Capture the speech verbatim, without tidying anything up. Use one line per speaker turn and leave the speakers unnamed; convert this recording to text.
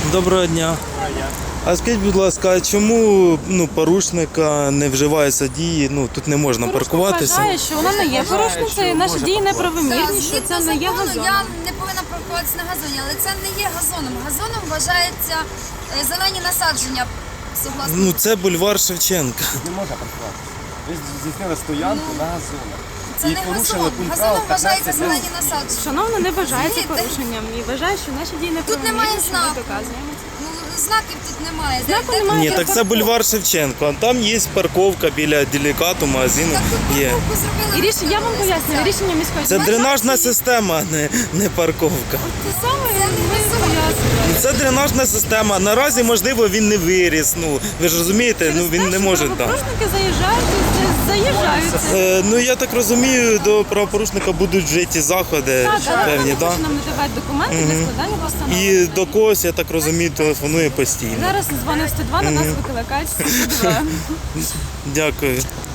Доброго дня. А скажіть, будь ласка, а чому ну, порушника не вживаються дії, ну тут не можна паркуватися?
Вважає, що вона не є порушницею, наші дії неправомірні, що
Згідно
це не є
закону,
газон.
я не повинна паркуватися на газоні, але це не є газоном. Газоном вважається е, зелені насадження, согласно.
Ну це бульвар Шевченка.
Не можна паркуватися. Ви здійснили стоянку на газонах.
Це
І
не
порушили
газон.
пункт
Газоном
правил
вважається
п'ятнадцять.
зелені насадження.
Шановна не вважається
Розумієте?
порушенням і вважає, що наші дії неправомірні,
немає
що ми
знаку.
доказуємо.
Ну, знаків тут немає.
Знаку
Де- де-
немає.
Ні, так це бульвар Шевченко, а там є парковка біля делікату, магазину
Так тут
є.
парковку зробили.
І рішення, я вам пояснюю, рішення міської
Це дренажна система, а не, не парковка.
Це саме ми пояснюємо.
Це дренажна система. Наразі, можливо, він не виріс. Ну, ви ж розумієте, ну він не може так.
Правопорушники заїжджають, і заїжджаються.
Е, ну я так розумію, до правопорушника будуть вжиті заходи
Так, але
певні,
вони
так?
хочуть нам надавати документи для складання постанови.
І до когось, я так розумію, телефонує постійно.
Зараз дзвонив сто два, на нас викликають сто два.
Дякую.